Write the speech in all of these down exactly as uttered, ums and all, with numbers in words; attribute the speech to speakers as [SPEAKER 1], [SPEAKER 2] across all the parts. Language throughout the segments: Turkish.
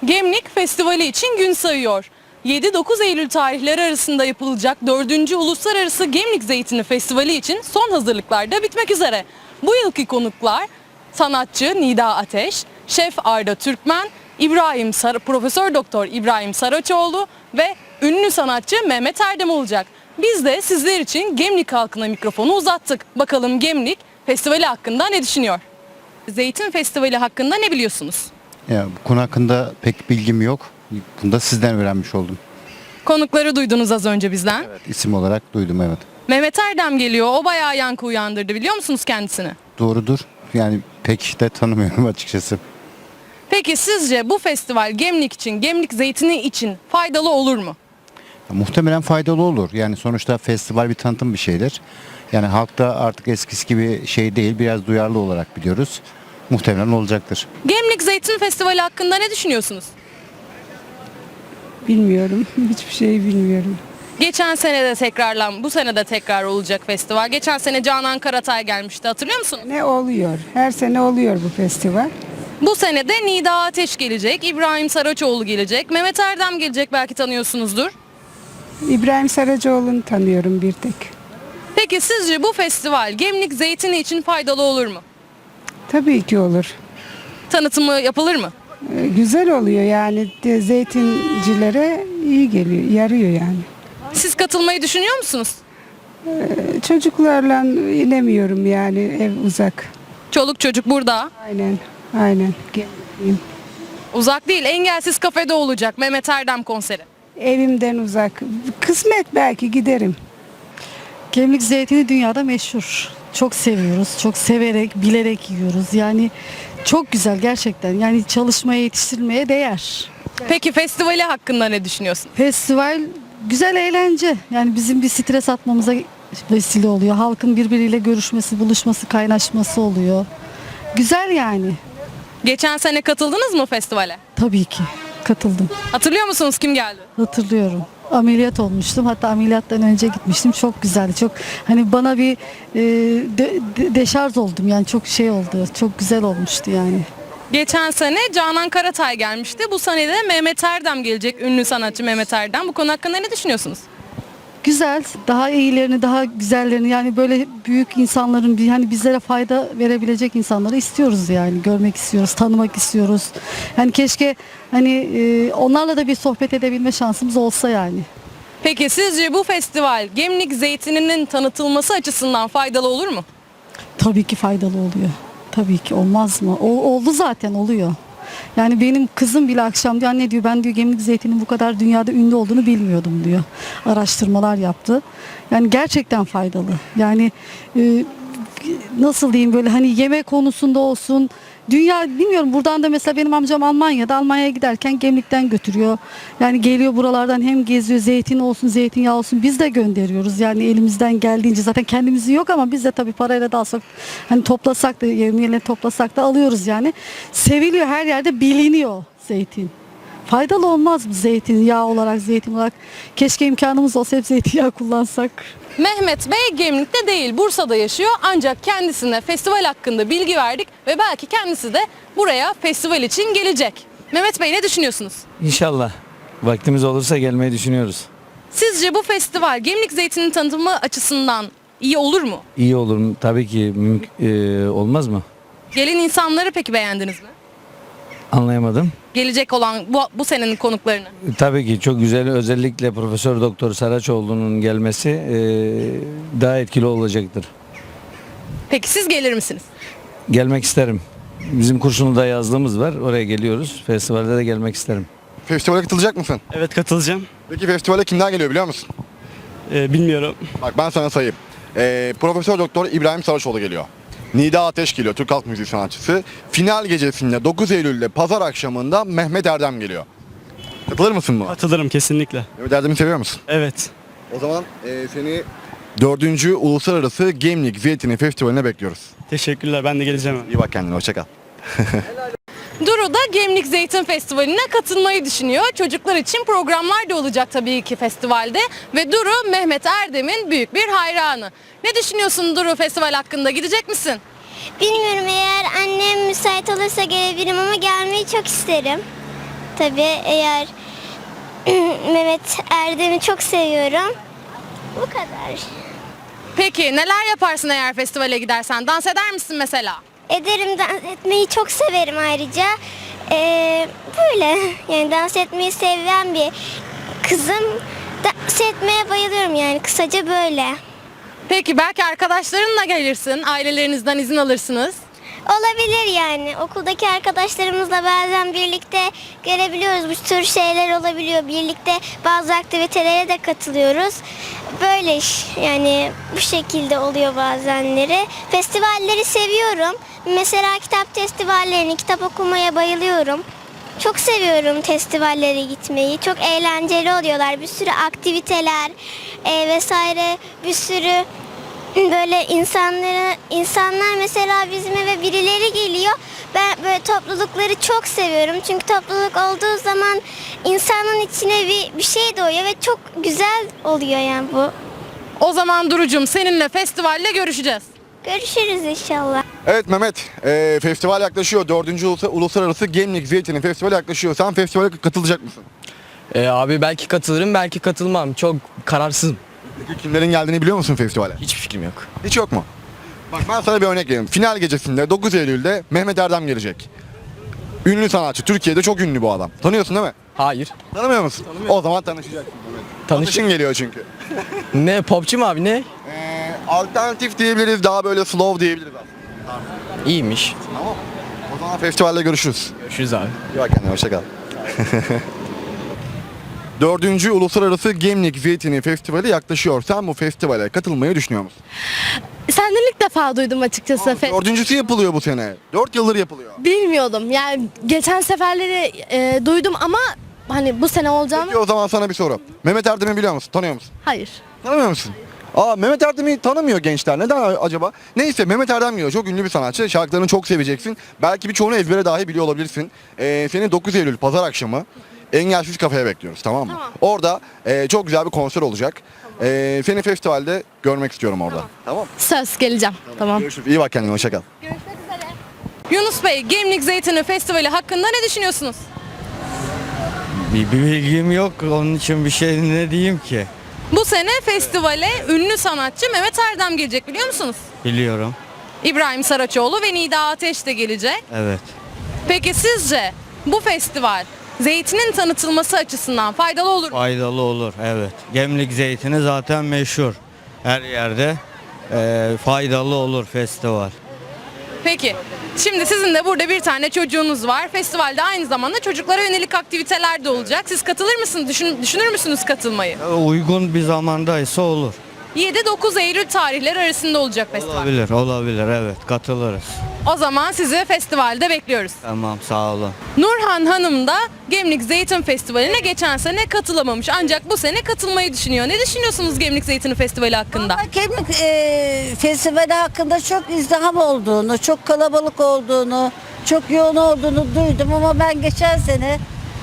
[SPEAKER 1] Gemlik Festivali için gün sayıyor. yedi dokuz Eylül tarihleri arasında yapılacak dördüncü Uluslararası Gemlik Zeytini Festivali için son hazırlıklar da bitmek üzere. Bu yılki konuklar sanatçı Nida Ateş, şef Arda Türkmen, İbrahim Sar Profesör Doktor İbrahim Saraçoğlu ve ünlü sanatçı Mehmet Erdem olacak. Biz de sizler için Gemlik halkına mikrofonu uzattık. Bakalım Gemlik Festivali hakkında ne düşünüyor? Zeytin Festivali hakkında ne biliyorsunuz?
[SPEAKER 2] Ya, bu konu hakkında pek bilgim yok. Bunu da sizden öğrenmiş oldum.
[SPEAKER 1] Konukları duydunuz az önce bizden.
[SPEAKER 2] Evet, isim olarak duydum, evet.
[SPEAKER 1] Mehmet Erdem geliyor. O bayağı yankı uyandırdı. Biliyor musunuz kendisini?
[SPEAKER 2] Doğrudur. Yani pek de tanımıyorum açıkçası.
[SPEAKER 1] Peki sizce bu festival Gemlik için, Gemlik zeytini için faydalı olur mu?
[SPEAKER 2] Ya, muhtemelen faydalı olur. Yani sonuçta festival bir tanıtım bir şeydir. Yani halkta artık eskisi gibi şey değil, biraz duyarlı olarak biliyoruz. Muhtemelen olacaktır.
[SPEAKER 1] Gemlik Zeytin Festivali hakkında ne düşünüyorsunuz?
[SPEAKER 3] Bilmiyorum. Hiçbir şey bilmiyorum.
[SPEAKER 1] Geçen sene de tekrarlan, bu sene de tekrar olacak festival. Geçen sene Canan Karatay gelmişti. Hatırlıyor musunuz?
[SPEAKER 3] Ne oluyor? Her sene oluyor bu festival.
[SPEAKER 1] Bu sene de Nida Ateş gelecek, İbrahim Saraçoğlu gelecek, Mehmet Erdem gelecek, belki tanıyorsunuzdur.
[SPEAKER 3] İbrahim Saracoğlu'nu tanıyorum bir tek.
[SPEAKER 1] Peki sizce bu festival Gemlik Zeytini için faydalı olur mu?
[SPEAKER 3] Tabii ki olur.
[SPEAKER 1] Tanıtımı yapılır mı?
[SPEAKER 3] Ee, güzel oluyor yani. De, zeytincilere iyi geliyor, yarıyor yani.
[SPEAKER 1] Siz katılmayı düşünüyor musunuz?
[SPEAKER 3] Ee, çocuklarla inemiyorum yani, ev uzak.
[SPEAKER 1] Çoluk çocuk burada.
[SPEAKER 3] Aynen, aynen. Gelmeyeyim.
[SPEAKER 1] Uzak değil, engelsiz kafede olacak Mehmet Erdem konseri.
[SPEAKER 3] Evimden uzak. Kısmet, belki giderim.
[SPEAKER 4] Gemlik zeytini dünyada meşhur. Çok seviyoruz. Çok severek, bilerek yiyoruz. Yani çok güzel gerçekten. Yani çalışmaya, yetiştirmeye değer.
[SPEAKER 1] Peki festivali hakkında ne düşünüyorsun?
[SPEAKER 4] Festival güzel eğlence. Yani bizim bir stres atmamıza vesile oluyor. Halkın birbiriyle görüşmesi, buluşması, kaynaşması oluyor. Güzel yani.
[SPEAKER 1] Geçen sene katıldınız mı festivale?
[SPEAKER 4] Tabii ki katıldım.
[SPEAKER 1] Hatırlıyor musunuz kim geldi?
[SPEAKER 4] Hatırlıyorum. Ameliyat olmuştum. Hatta ameliyattan önce gitmiştim. Çok güzeldi. Çok hani bana bir e, de, de, deşarj oldum. Yani çok şey oldu. Çok güzel olmuştu yani.
[SPEAKER 1] Geçen sene Canan Karatay gelmişti. Bu sene de Mehmet Erdem gelecek. Ünlü sanatçı Mehmet Erdem. Bu konu hakkında ne düşünüyorsunuz?
[SPEAKER 4] Güzel, daha iyilerini, daha güzellerini, yani böyle büyük insanların, bir hani bizlere fayda verebilecek insanları istiyoruz yani, görmek istiyoruz, tanımak istiyoruz. Yani keşke hani e, onlarla da bir sohbet edebilme şansımız olsa yani.
[SPEAKER 1] Peki sizce bu festival Gemlik Zeytini'nin tanıtılması açısından faydalı olur mu?
[SPEAKER 4] Tabii ki faydalı oluyor. Tabii ki, olmaz mı? O, oldu zaten, oluyor. Yani benim kızım bile akşam diyor, anne diyor, ben diyor Gemlik zeytinin bu kadar dünyada ünlü olduğunu bilmiyordum diyor. Araştırmalar yaptı. Yani gerçekten faydalı. Yani e, nasıl diyeyim, böyle hani yemek konusunda olsun. Dünya, bilmiyorum, buradan da mesela benim amcam Almanya'da, Almanya'ya giderken Gemlik'ten götürüyor. Yani geliyor buralardan, hem geziyor, zeytin olsun, zeytinyağı olsun, biz de gönderiyoruz. Yani elimizden geldiğince, zaten kendimizin yok ama biz de tabii parayla da alsak, hani toplasak da, yemeğiyle toplasak da alıyoruz yani. Seviliyor, her yerde biliniyor zeytin. Faydalı olmaz mı zeytin, yağ olarak, zeytin olarak? Keşke imkanımız olsa hep zeytinyağı kullansak.
[SPEAKER 1] Mehmet Bey Gemlik'te değil, Bursa'da yaşıyor. Ancak kendisine festival hakkında bilgi verdik ve belki kendisi de buraya festival için gelecek. Mehmet Bey, ne düşünüyorsunuz?
[SPEAKER 5] İnşallah. Vaktimiz olursa gelmeyi düşünüyoruz.
[SPEAKER 1] Sizce bu festival Gemlik Zeytini'nin tanıtımı açısından iyi olur mu?
[SPEAKER 5] İyi olur mu? Tabii ki mümk- e, olmaz mı?
[SPEAKER 1] Gelen insanları peki beğendiniz mi?
[SPEAKER 5] Anlayamadım.
[SPEAKER 1] Gelecek olan bu, bu senenin konuklarını.
[SPEAKER 5] E, Tabii ki çok güzel. Özellikle Profesör Doktor Saraçoğlu'nun gelmesi e, daha etkili olacaktır.
[SPEAKER 1] Peki siz gelir misiniz?
[SPEAKER 5] Gelmek isterim. Bizim Kurşunlu'da yazlığımız var. Oraya geliyoruz. Festivalde de gelmek isterim.
[SPEAKER 6] Festivale katılacak mısın?
[SPEAKER 7] Evet, katılacağım.
[SPEAKER 6] Peki festivale kimler geliyor biliyor musun?
[SPEAKER 7] Ee, bilmiyorum.
[SPEAKER 6] Bak ben sana sayayım. Ee, Profesör Doktor İbrahim Saraçoğlu geliyor. Nida Ateş geliyor, Türk halk müziği sanatçısı. Final gecesinde dokuz Eylül'de pazar akşamında Mehmet Erdem geliyor. Katılır mısın buna?
[SPEAKER 7] Katılırım kesinlikle.
[SPEAKER 6] Mehmet Erdem'i seviyor musun?
[SPEAKER 7] Evet.
[SPEAKER 6] O zaman e, seni dördüncü Uluslararası Gemlik Zeytini Festivali'ne bekliyoruz.
[SPEAKER 7] Teşekkürler. Ben de geleceğim.
[SPEAKER 6] İyi bak kendine, hoşça kal.
[SPEAKER 1] Duru da Gemlik Zeytin Festivali'ne katılmayı düşünüyor. Çocuklar için programlar da olacak tabii ki festivalde. Ve Duru, Mehmet Erdem'in büyük bir hayranı. Ne düşünüyorsun Duru, festival hakkında? Gidecek misin?
[SPEAKER 8] Bilmiyorum, eğer annem müsait olursa gelebilirim ama gelmeyi çok isterim. tabii. Eğer Mehmet Erdem'i çok seviyorum. Bu kadar.
[SPEAKER 1] Peki neler yaparsın eğer festivale gidersen? Dans eder misin mesela?
[SPEAKER 8] Ederim, dans etmeyi çok severim ayrıca. Ee, böyle yani dans etmeyi seven bir kızım. Dans etmeye bayılıyorum yani, kısaca böyle.
[SPEAKER 1] Peki belki arkadaşlarınla gelirsin, ailelerinizden izin alırsınız.
[SPEAKER 8] Olabilir yani. Okuldaki arkadaşlarımızla bazen birlikte gelebiliyoruz. Bu tür şeyler olabiliyor. Birlikte bazı aktivitelere de katılıyoruz. Böyle iş yani, bu şekilde oluyor bazenleri. Festivalleri seviyorum. Mesela kitap festivallerini, kitap okumaya bayılıyorum. Çok seviyorum festivallere gitmeyi. Çok eğlenceli oluyorlar. Bir sürü aktiviteler e, vesaire, bir sürü böyle insanlara, insanlar mesela bizim eve birileri geliyor. Ben böyle toplulukları çok seviyorum. Çünkü topluluk olduğu zaman insanın içine bir, bir şey doğuyor ve çok güzel oluyor yani bu.
[SPEAKER 1] O zaman Duru'cum seninle festivalle görüşeceğiz.
[SPEAKER 8] Görüşürüz inşallah.
[SPEAKER 6] Evet Mehmet, e, festival yaklaşıyor. Dördüncü Ulus- Uluslararası Gemlik Zeytini Festivali yaklaşıyor. Sen festivale katılacak mısın?
[SPEAKER 9] Ee, abi belki katılırım, belki katılmam. Çok kararsızım.
[SPEAKER 6] Peki kimlerin geldiğini biliyor musun festivale?
[SPEAKER 9] Hiçbir fikrim yok.
[SPEAKER 6] Hiç yok mu? Bak ben sana bir örnek vereyim. Final gecesinde dokuz Eylül'de Mehmet Erdem gelecek. Ünlü sanatçı. Türkiye'de çok ünlü bu adam. Tanıyorsun değil mi?
[SPEAKER 9] Hayır.
[SPEAKER 6] Tanımıyor musun? O zaman tanışacaksın Mehmet.
[SPEAKER 9] Tanış-
[SPEAKER 6] Tanışın geliyor çünkü.
[SPEAKER 9] Ne popçu mu abi, ne?
[SPEAKER 6] Ee, alternatif diyebiliriz, daha böyle slow diyebiliriz aslında.
[SPEAKER 9] İyiymiş.
[SPEAKER 6] Tamam. O zaman festivalde görüşürüz.
[SPEAKER 9] Görüşürüz abi.
[SPEAKER 6] İyi bak kendine, hoşça kal. Dördüncü Uluslararası Gemlik Zeytini Festivali yaklaşıyor. Sen bu festivale katılmayı düşünüyor musun?
[SPEAKER 10] Senden ilk defa duydum açıkçası. Fe-
[SPEAKER 6] Dördüncüsü yapılıyor bu sene. Dört yıldır yapılıyor.
[SPEAKER 10] Bilmiyordum. Yani geçen seferleri e, duydum ama hani bu sene olacağını...
[SPEAKER 6] Peki o zaman sana bir soru. Mehmet Erdem'i biliyor musun? Tanıyor musun?
[SPEAKER 10] Hayır.
[SPEAKER 6] Tanımıyor musun? Aa, Mehmet Erdem'i tanımıyor gençler. Neden acaba? Neyse, Mehmet Erdem geliyor. Çok ünlü bir sanatçı. Şarkılarını çok seveceksin. Belki birçoğunu ezbere dahi biliyor olabilirsin. Ee, seni dokuz Eylül pazar akşamı Engelsiz Kafe'ye bekliyoruz, tamam mı?
[SPEAKER 10] Tamam.
[SPEAKER 6] Orada e, çok güzel bir konser olacak. E, seni festivalde görmek istiyorum orada. Tamam.
[SPEAKER 10] Söz, geleceğim. Tamam.
[SPEAKER 6] Görüşürüz. İyi bak kendine. Hoşça kal.
[SPEAKER 1] Yunus Bey, Gemlik Zeytini Festivali hakkında ne düşünüyorsunuz?
[SPEAKER 11] Bir, bir bilgim yok, onun için bir şey ne diyeyim ki?
[SPEAKER 1] Bu sene festivale ünlü sanatçı Mehmet Erdem gelecek, biliyor musunuz?
[SPEAKER 11] Biliyorum.
[SPEAKER 1] İbrahim Saraçoğlu ve Nida Ateş de gelecek.
[SPEAKER 11] Evet.
[SPEAKER 1] Peki sizce bu festival zeytinin tanıtılması açısından faydalı olur mu?
[SPEAKER 11] Faydalı olur, evet. Gemlik zeytini zaten meşhur. Her yerde eee, faydalı olur festival.
[SPEAKER 1] Peki, şimdi sizin de burada bir tane çocuğunuz var. Festivalde aynı zamanda çocuklara yönelik aktiviteler de olacak. Siz katılır mısınız? Düşün, düşünür müsünüz katılmayı?
[SPEAKER 11] E, Uygun bir zamandaysa olur.
[SPEAKER 1] yedi dokuz Eylül tarihleri arasında olacak festival.
[SPEAKER 11] Olabilir, olabilir, evet. Katılırız.
[SPEAKER 1] O zaman sizi festivalde bekliyoruz.
[SPEAKER 11] Tamam, sağ olun.
[SPEAKER 1] Nurhan Hanım da Gemlik Zeytin Festivali'ne geçen sene katılamamış. Ancak bu sene katılmayı düşünüyor. Ne düşünüyorsunuz Gemlik Zeytini Festivali hakkında?
[SPEAKER 12] Ama Gemlik e, Festivali hakkında çok izdiham olduğunu, çok kalabalık olduğunu, çok yoğun olduğunu duydum ama ben geçen sene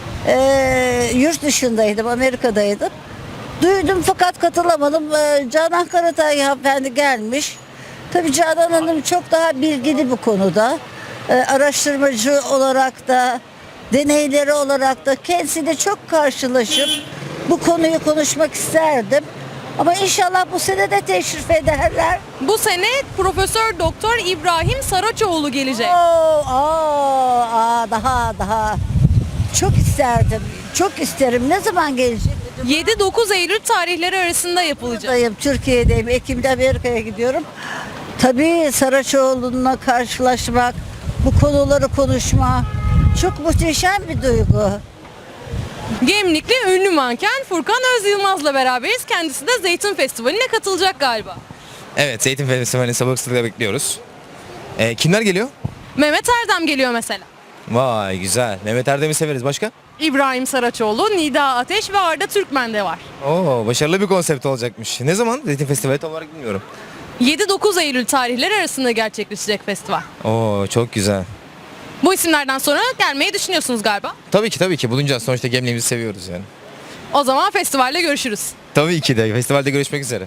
[SPEAKER 12] e, yurt dışındaydım, Amerika'daydım. Duydum fakat katılamadım. E, Canan Karatay hanımefendi gelmiş. Tabii Canan Hanım çok daha bilgili bu konuda. E, araştırmacı olarak da, deneyleri olarak da kendisiyle çok karşılaşıp bu konuyu konuşmak isterdim. Ama inşallah bu sene de teşrif ederler.
[SPEAKER 1] Bu sene Profesör Doktor İbrahim Saraçoğlu gelecek.
[SPEAKER 12] Oo, aa, aa, daha daha çok isterdim. Çok isterim. Ne zaman gelecek?
[SPEAKER 1] yedi dokuz Eylül tarihleri arasında yapılacak.
[SPEAKER 12] Buradayım, Türkiye'deyim. Ekim'de Amerika'ya gidiyorum. Tabii Saraçoğlu'na karşılaşmak, bu konuları konuşma çok muhteşem bir duygu.
[SPEAKER 1] Gemlikli ünlü manken Furkan Özyılmaz'la beraberiz. Kendisi de Zeytin Festivali'ne katılacak galiba.
[SPEAKER 9] Evet, Zeytin Festivali'ni sabırsızlıkla bekliyoruz. Ee, kimler geliyor?
[SPEAKER 1] Mehmet Erdem geliyor mesela.
[SPEAKER 9] Vay güzel. Mehmet Erdem'i severiz. Başka?
[SPEAKER 1] İbrahim Saraçoğlu, Nida Ateş ve Arda Türkmen de var.
[SPEAKER 9] Oo, başarılı bir konsept olacakmış. Ne zaman? Zeytin Festivali tam olarak bilmiyorum.
[SPEAKER 1] yedi dokuz Eylül tarihleri arasında gerçekleşecek festival.
[SPEAKER 9] Oo, çok güzel.
[SPEAKER 1] Bu isimlerden sonra gelmeyi düşünüyorsunuz galiba.
[SPEAKER 9] Tabii ki tabii ki bulunacağız. Sonuçta gemliğimizi seviyoruz yani.
[SPEAKER 1] O zaman festivalde görüşürüz.
[SPEAKER 9] Tabii ki de. Festivalde görüşmek üzere.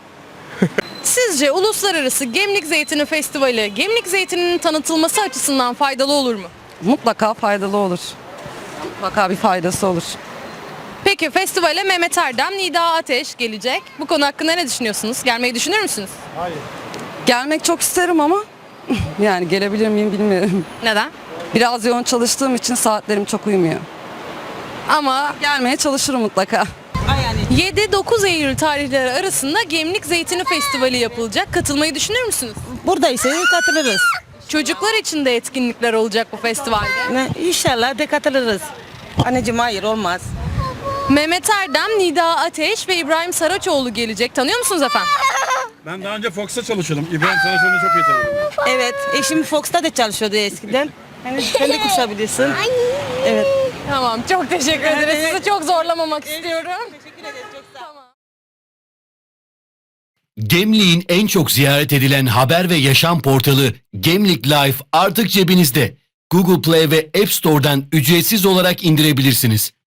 [SPEAKER 1] Sizce Uluslararası Gemlik Zeytini Festivali, Gemlik Zeytini'nin tanıtılması açısından faydalı olur mu?
[SPEAKER 13] Mutlaka faydalı olur. Mutlaka bir faydası olur.
[SPEAKER 1] Peki festivale Mehmet Erdem, Nida Ateş gelecek. Bu konu hakkında ne düşünüyorsunuz? Gelmeyi düşünür müsünüz?
[SPEAKER 13] Gelmek çok isterim ama yani gelebilir miyim bilmiyorum.
[SPEAKER 1] Neden?
[SPEAKER 13] Biraz yoğun çalıştığım için saatlerim çok uymuyor. Ama gelmeye çalışırım mutlaka.
[SPEAKER 1] yedi dokuz Eylül tarihleri arasında Gemlik Zeytini Festivali yapılacak. Katılmayı düşünür müsünüz?
[SPEAKER 12] Buradaysa katılırız.
[SPEAKER 1] Çocuklar için de etkinlikler olacak bu festivalde.
[SPEAKER 12] İnşallah de katılırız. Anneciğim hayır olmaz.
[SPEAKER 1] Mehmet Erdem, Nida Ateş ve İbrahim Saraçoğlu gelecek. Tanıyor musunuz efendim?
[SPEAKER 7] Ben daha önce Fox'ta çalışıyordum. İbrahim Saraçoğlu'nu çok iyi tanıyorum.
[SPEAKER 12] Evet, eşim Fox'ta da çalışıyordu eskiden. Hani sen de koşabilirsin. Evet.
[SPEAKER 1] Tamam, çok teşekkür ederiz. Sizi çok zorlamamak istiyorum. Tamam.
[SPEAKER 14] Gemlik'in en çok ziyaret edilen haber ve yaşam portalı Gemlik Life artık cebinizde. Google Play ve App Store'dan ücretsiz olarak indirebilirsiniz.